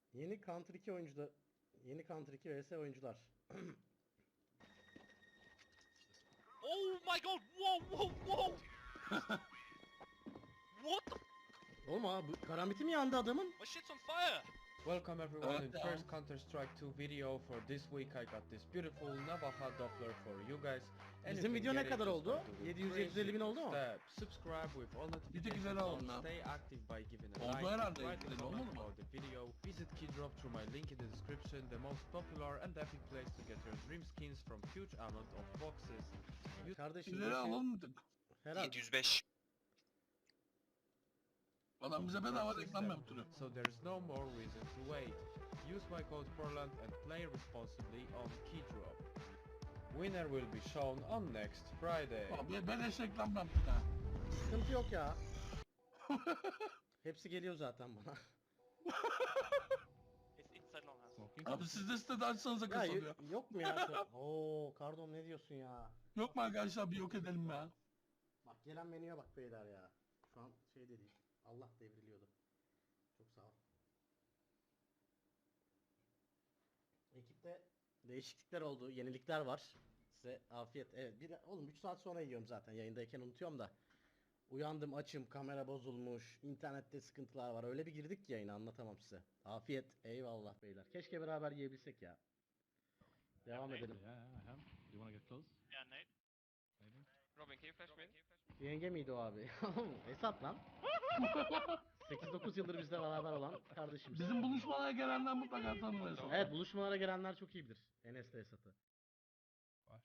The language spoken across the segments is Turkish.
Yeni Counter 2 oyuncular. Yeni Counter 2 vs oyuncular. Oh my god! Whoa, whoa, whoa! What the? Oğlum abi karambiti mi yandı adamın? My shit's on fire! Welcome everyone in Yeah. first Counter-Strike 2 video. For this week I got this beautiful Navaja Doppler for you guys. And Bizim you can video ne get it kadar just oldu? by doing 700-750 bin oldu mu? step. Subscribe with all notifications güzel oldu on. lan. Stay active by giving a Oldu like. herhalde, Write a güzel comment olmadı mı? about the video. Visit Keydrop through my link in the description. The most popular and epic place to get your dream skins from huge amount of boxes. Kardeşim İleri alamadık. herhalde. 705. Adam bize bedava reklam yaptırıyor. So there is no more reason to wait. Use my code Portland and play responsibly on Keydrop. Winner will be shown on next Friday. Abi beleş reklam yaptık ha. Sıkıntı yok ya. Hepsi geliyor zaten bana. It's inside long house. Abi siz de sitede açsanıza Ya kasılıyor. yok mu ya? Oo Kardom ne diyorsun ya? Yok mu arkadaşlar bir yok edelim ya. Bak gelen menüye bak beyler ya. Şu an şey de değil. Allah devriliyordu. Çok sağ ol. Ekipte değişiklikler oldu, yenilikler var. Size afiyet. Evet, oğlum 3 saat sonra yiyorum zaten. Yayındayken unutuyorum da. Uyandım, açım, kamera bozulmuş, internette sıkıntılar var. Öyle bir girdik ki yayına anlatamam size. Afiyet. Eyvallah beyler. Keşke beraber yiyebilsek ya. Devam edelim. Yeah, I am. Do you wanna get close? Yeah, Nate. Maybe. Robin, can you flash me? Yenge miydi o abi? Esat lan. 8-9 yıldır bizle beraber olan kardeşimiz. Bizim buluşmalara gelenler mutlaka tanır. Evet, buluşmalara gelenler çok iyi bilir. Enes'le Esat'ı. Flash.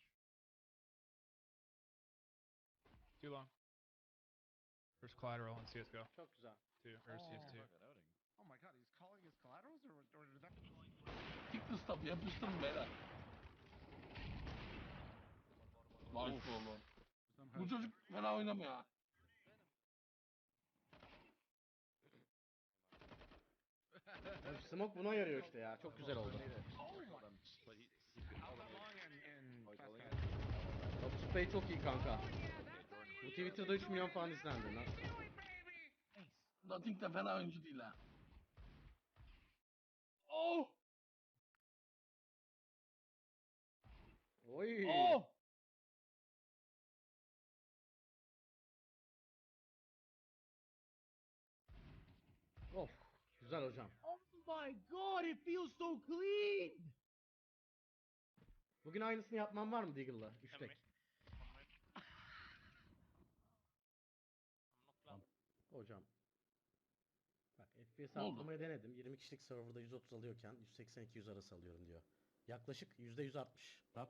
Too long. First collateral in CSGO. Çok güzel. Two. Or CS2. Oh my god, he's calling his collaterals or did that... Tikli stop yapıştırın beyler. Nice oğlum. Bu çocuk fena oynamıyor ha. Ya Smoke buna yarıyor işte ya. Çok güzel oldu. Opus Bey çok iyi kanka. Bu Twitter'da 3 milyon falan izlendi. Nasıl? Nothing de fena oyuncu değil ha. Oh! Oy. Oh! Of. Güzel hocam. Oh my god, it feels so clean! Bugün aynısını yapmam var mı Deagle'la? 3 tek. Hocam. Bak FPS Ne oldu? arttırmayı denedim. 20 kişilik serverda 130 alıyorken 180-200 arası alıyorum diyor. Yaklaşık %160. Rap.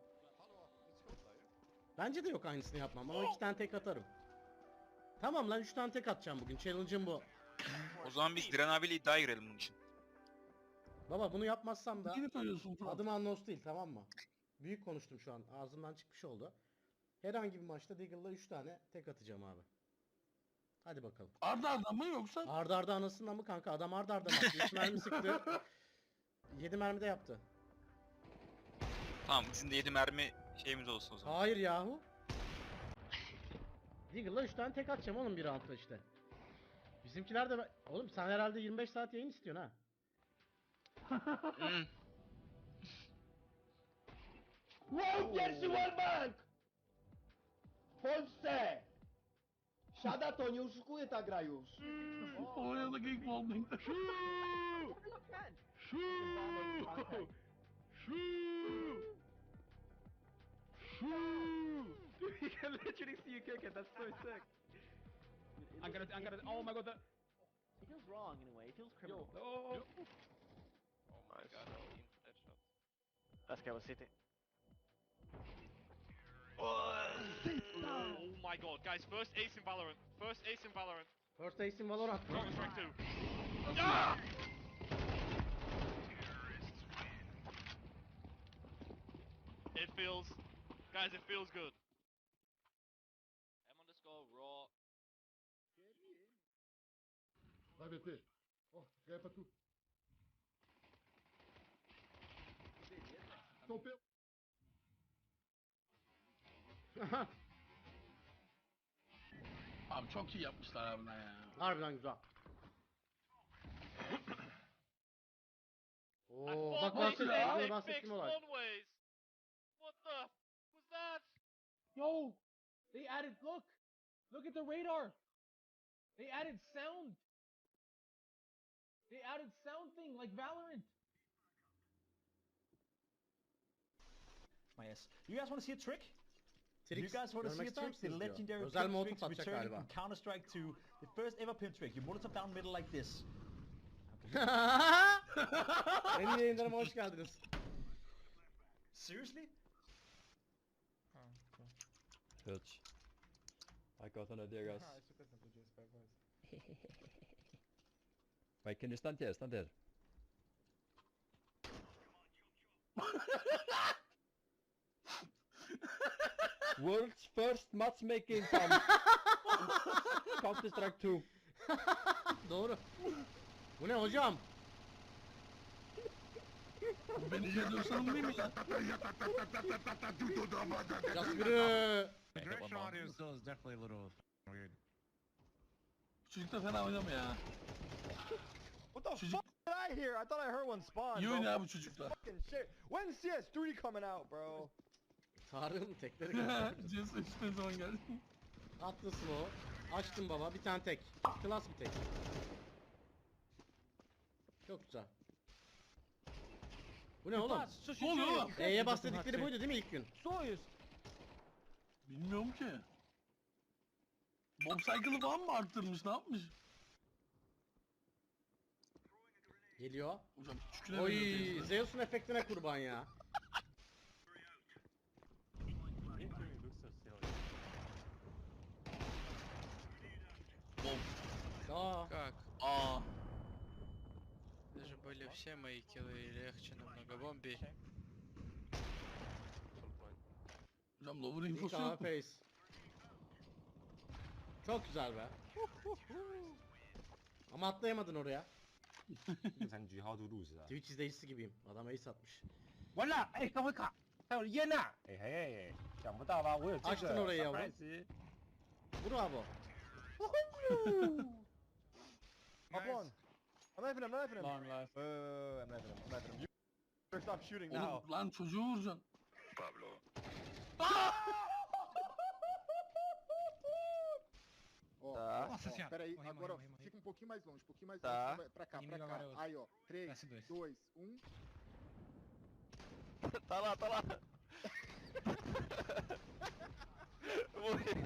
Bence de yok aynısını yapmam ama 2 tane tek atarım. Tamam lan 3 tane tek atacağım bugün. Challenge'ım bu. O zaman biz Diren abiyle iddiaya girelim bunun için. Baba bunu yapmazsam da Yine söylüyorsun Fırat. adım Annos değil, tamam mı? Büyük konuştum şu an. Ağzımdan çıkmış oldu. Herhangi bir maçta Deagle'la 3 tane tek atacağım abi. Hadi bakalım. Arda arda mı yoksa? Arda arda anasını mı kanka? Adam arda arda mı attı? 3 mermi sıktı. 7 mermi de yaptı. Tamam bizim de 7 mermi şeyimiz olsun o zaman. Hayır yahu. Deagle'la 3 tane tek atacağım oğlum bir roundda işte. Bizimkiler de... Oğlum sen herhalde 25 saat yayın istiyorsun ha. Hmm. Wow, pierwszy wallbang! W Polsce! Siada to, nie oszukuje ta gra już. Polonya'daki ilk wallbang. You can literally see you kick it. That's so sick. I'm gonna. Oh my god. It feels wrong in a way. It feels criminal. Oh. Oh my god, headshot. Let's go with City. Oh my god, guys, first ace in Valorant. First ace in Valorant. First Ace in Valorant. Counter Strike 2. Ah! It feels, guys, it feels good. M_raw. Vai, BT. Ó, ganha pra tu. Topeu. Abi çok iyi yapmışlar harbiden ya. Harbiden güzel. bak One ways, bahsettiğim they olay, fixed bahsettiğim olay. one ways. What the was that? Yo, they added. Look at the radar. They added sound. They added sound thing like Valorant. My ass. You guys want to see a trick? You Trix guys want to see görmek a ister trick? The misiniz diyor. legendary Özel pimp molotof tricks atacak returning galiba. from Counter-Strike 2. The first ever pimp trick. You molotov down middle like this. Benim yayınlarıma hoş geldiniz. Seriously? Hurts. I got an idea, guys. Wait, can you stand here? Stand here. World's first matchmaking from Counter-Strike 2. Doğru. Bu ne hocam? Bu beni yediğim sorun değil mi lan? Yaskırı. Çocuk da fena oynamıyor ya. What the Çocuk fuck did I hear? I thought I heard one spawn. iyi bro. oynuyor bu çocuklar. Fucking shit. When's CS3 coming out, bro? Tarık'ın tekleri geldi. CS ne zaman geldi? Haklısın o. Açtım baba bir tane tek. Klas bir tek. Çok güzel. Bu ne oğlum? Ne oluyor oğlum? E'ye bas dedikleri buydu değil mi ilk gün? Bilmiyorum ki. Bomb cycle'ı falan mı arttırmış, ne yapmış? Geliyor. Hocam çüküne Oy, Zeus'un efektine kurban ya. Bomb. Aa, Как? Aa. Даже были все мои киллы легче намного. Бомби. Hocam lower ilk infosu A yok mu? face. Çok güzel be. Ama atlayamadın oraya. Twitch izleyicisi gibiyim. Adam ace atmış. 完了，哎，刚会卡，还有烟呐！哎嘿，想不到吧？我有这 Açtın 个 orayı yavrum. surprise。 Bravo. Up one. I'm knifing him, I'm knifing him. Long life. I'm knifing him, I'm knifing him. You better stop shooting now. Oğlum lan çocuğu vuracaksın. Ó, Tá. ó, peraí, agora fica um pouquinho mais longe, Tá. pra cá, pra cá. Aí, ó, 3, 2, 1. Tá lá, tá lá. Morreu.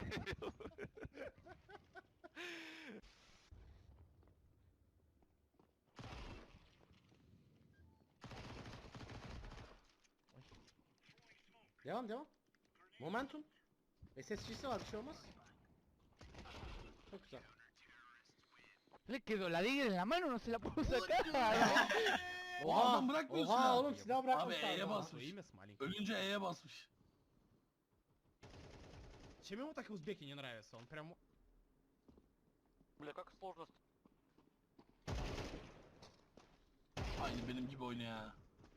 Devam devam. Momentum. SSG'si var bir şey olmaz. Çok güzel. Le quedó la Digger en la mano, no se la pudo sacar. Oha, adam bırakmıyorsun oha ha. oğlum silah Abi bırakmışlar. E'ye ya. basmış. Ölünce E'ye basmış. Чем ему так узбеки не нравятся? Он прям... Бля, как сложно. Aynı benim gibi oynuyor ya.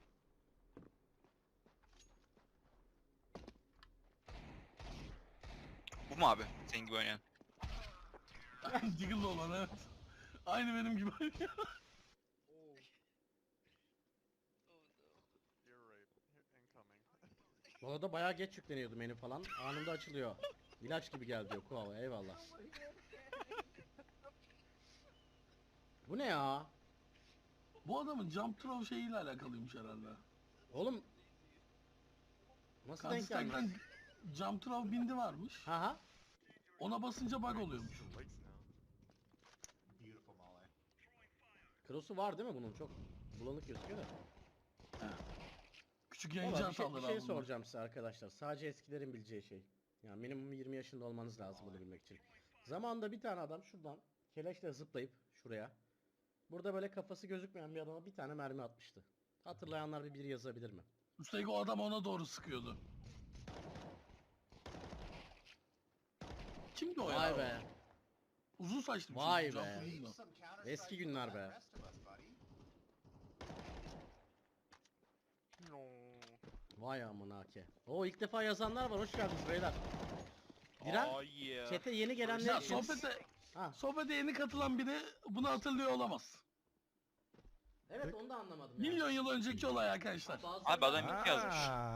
Bu mu abi? Senin gibi oynayan. Diggle'lı olan evet. Aynı benim gibi oynuyor. Bu arada bayağı geç yükleniyordu menü falan. Anında açılıyor. İlaç gibi geldi diyor Kuava. Eyvallah. Bu ne ya? Bu adamın jump throw şeyiyle alakalıymış herhalde. Oğlum nasıl denk gelmiş? Counter-Strike'dan jump throw bindi varmış. Haha. Ona basınca bug oluyormuş. Cross'u var değil mi bunun? Çok bulanık gözüküyor da. Küçük yayıncı Valla bir şey hataları abi bunlar. soracağım size arkadaşlar. Sadece eskilerin bileceği şey. Yani minimum 20 yaşında olmanız lazım bunu bilmek için. Zamanında bir tane adam şuradan keleşle zıplayıp şuraya. Burada böyle kafası gözükmeyen bir adama bir tane mermi atmıştı. Hatırlayanlar bir yazabilir mi? Üstelik o adam ona doğru sıkıyordu. Kimdi o ya? Vay be. Uzun saçlı bir Vay çocuk, be. jump değil mi? Eski günler be. Vay amına ke. Oo ilk defa yazanlar var. Hoş geldiniz beyler. Diren, yeah. chat'e yeni gelenler Ya için... sohbete Ha, yeni katılan biri bunu hatırlıyor olamaz. evet evet onu da anlamadım ya. Milyon yıl önceki olay arkadaşlar. Bazıları Abi adam ilk yazmış.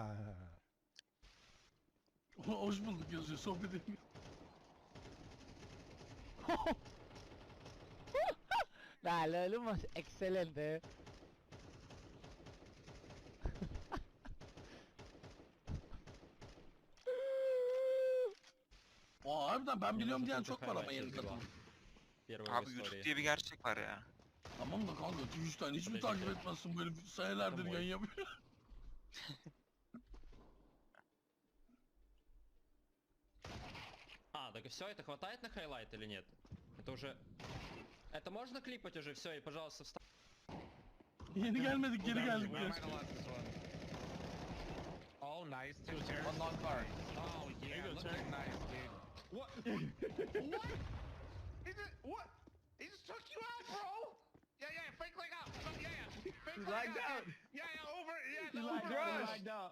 Hoş bulduk yazıyor sohbet ediyor. Dale, lo más excelente. Aa harbiden ben biliyorum diyen çok var ama yeni katılım. Abi YouTube diye bir gerçek var ya. Tamam da kanka Twitch'ten hiç mi takip etmezsin böyle senelerdir yayın yapıyor. А, так и все, это хватает на хайлайт или нет? Это уже... Это можно клипать уже все и, пожалуйста, встав... Yeni gelmedik geri geldik ya. Oh, nice. One long card. Oh, yeah, looking nice, dude. What? What? Is it... What? He just took you out, bro! Yeah, yeah, fake leg out. Yeah, yeah. Fake leg out. Yeah, yeah, over. Yeah, no, over.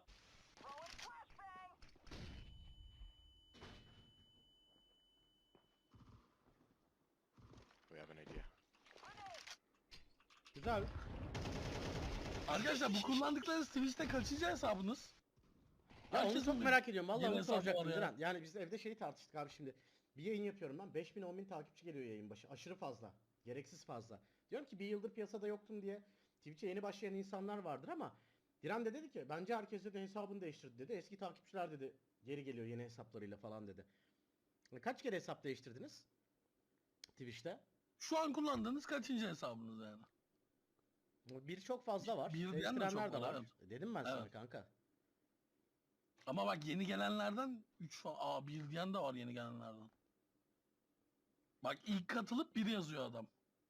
Güzel. Arkadaşlar bu kullandıklarınız Twitch'te kaçıncı hesabınız? Ya onu Herkesin çok bir- merak ediyorum. Vallahi yeni onu hesabı soracaktım var ya. Diren. Yani biz evde şeyi tartıştık abi şimdi. Bir yayın yapıyorum ben. 5000 10.000 takipçi geliyor yayın başı. Aşırı fazla. Gereksiz fazla. Diyorum ki bir yıldır piyasada yoktum diye. Twitch'e yeni başlayan insanlar vardır ama Diren de dedi ki bence herkes de hesabını değiştirdi dedi. Eski takipçiler dedi geri geliyor yeni hesaplarıyla falan dedi. Kaç kere hesap değiştirdiniz? Twitch'te? Şu an kullandığınız kaçıncı hesabınız yani? Bir çok fazla var. Bir diyen de Değiştirenler çok de var, var. evet. Dedim ben sana Evet. kanka. Ama bak yeni gelenlerden 3 falan. Aa bir diyen de var yeni gelenlerden. Bak ilk katılıp biri yazıyor adam.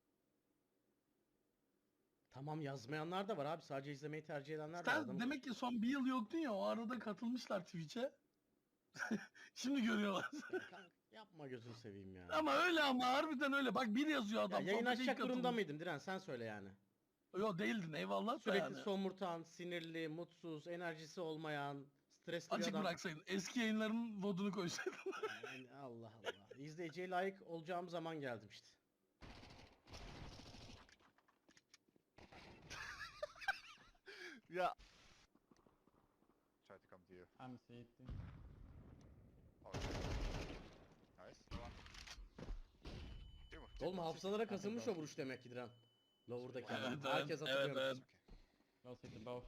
Tamam yazmayanlar da var abi. Sadece izlemeyi tercih edenler de var. Sen Adamın- demek ki son bir yıl yoktun ya o arada katılmışlar Twitch'e. Şimdi görüyorlar. Kanka, yapma gözünü seveyim ya. Ama öyle ama harbiden öyle. Bak bir yazıyor Ya adam. yayın sohbete ilk açacak durumda katılmış. mıydım Diren sen söyle yani. Yok değildin eyvallah da Sürekli yani. somurtan, sinirli, mutsuz, enerjisi olmayan, stresli bir Açık adam. bıraksaydın. Eski yayınların vodunu koysaydın. Yani Allah Allah. İzleyiciye layık olacağım zaman geldim işte. Ya. I'm sitting. Oğlum hafızalara kazınmış o vuruş demek ki Diren. Lower'daki adam. Evet, Herkes evet, hatırlıyor. evet. Go sit both.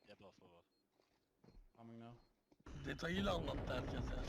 Coming now. Detayıyla anlattı herkes ya.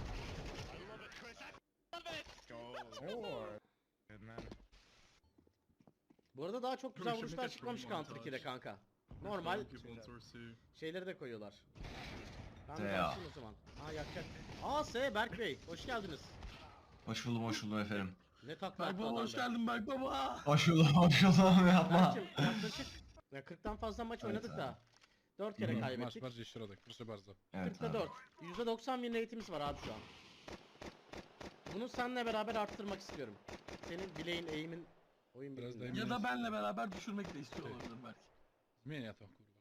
Bu arada daha çok güzel vuruşlar çıkmamış Counter 2'de kanka. Normal şeyleri de koyuyorlar. Ben de başlayayım o zaman. Aa yakacak. Aa S Berk Bey hoş geldiniz. Hoş buldum efendim. Ne takla Berk attı baba adam hoş be. geldin Berk baba. Hoş buldum yapma. Berk'cim yaklaşık ya 40'tan fazla maç oynadık da 4 kere kaybettik. Evet 40'ta abi. 4. %90 win rate'imiz var abi şu an. Bunu seninle beraber arttırmak istiyorum. Senin bileğin, eğimin, oyun bilgin. Ya da benle beraber düşürmek de istiyor olabilir belki.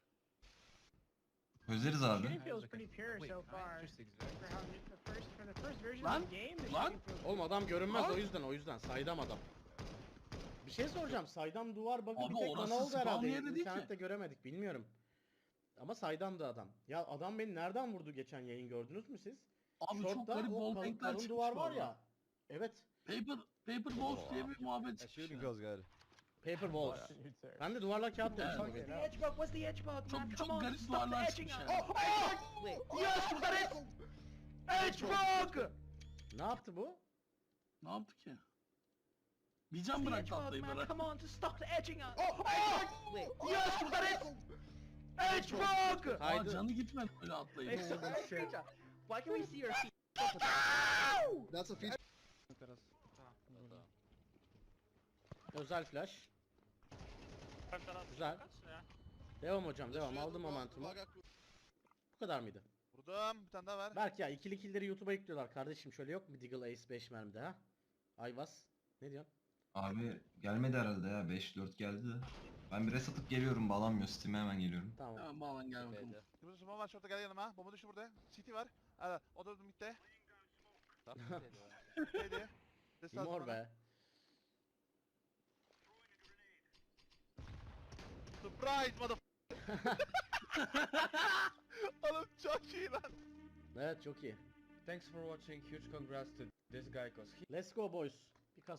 Özleriz abi. Lan lan. Oğlum adam görünmez o yüzden saydam adam. Bir şey soracağım. Saydam duvar bug'ı Abi bir tek bana orası oldu spawn herhalde. yeri değil ki. İnternette göremedik bilmiyorum. Ama saydamdı adam. Ya adam beni nereden vurdu geçen yayın gördünüz mü siz? Abi çok Short'ta garip o kalın, wallbankler kalın çıkmış duvar var orada. ya. Evet. Paper Balls diye bir muhabbet çıkmış. Paper walls. Ben de duvarlar kağıt demiştim. bugün. Çok garip duvarlar çıkmış yani. Ne yaptı bu? Ne yaptı ki? Bir can bıraktı atlayı bana. Aa Haydi. canı gitmedi öyle atlayıp. Özel flash. Güzel. Devam hocam devam. Aldım momentumu. Bu kadar mıydı? Vurdum. Bir tane daha ver. Berk ya ikili killleri YouTube'a yüklüyorlar kardeşim şöyle yok mu Deagle Ace 5 mermide ha? Ayvaz. Ne diyorsun? Abi gelmedi herhalde ya 5-4 geldi de. Ben bir reset geliyorum bağlanmıyor Steam'e hemen geliyorum. Tamam. Hemen bağlan gel bakalım. Kırmızı smoke var şurada gel yanıma. Bomba düştü burada. City var. O da midde. Neydi? Mor be. Surprise mother. Oğlum çok iyi lan. Evet çok iyi. Thanks for watching. Huge congrats to this guy, cause he Let's go boys.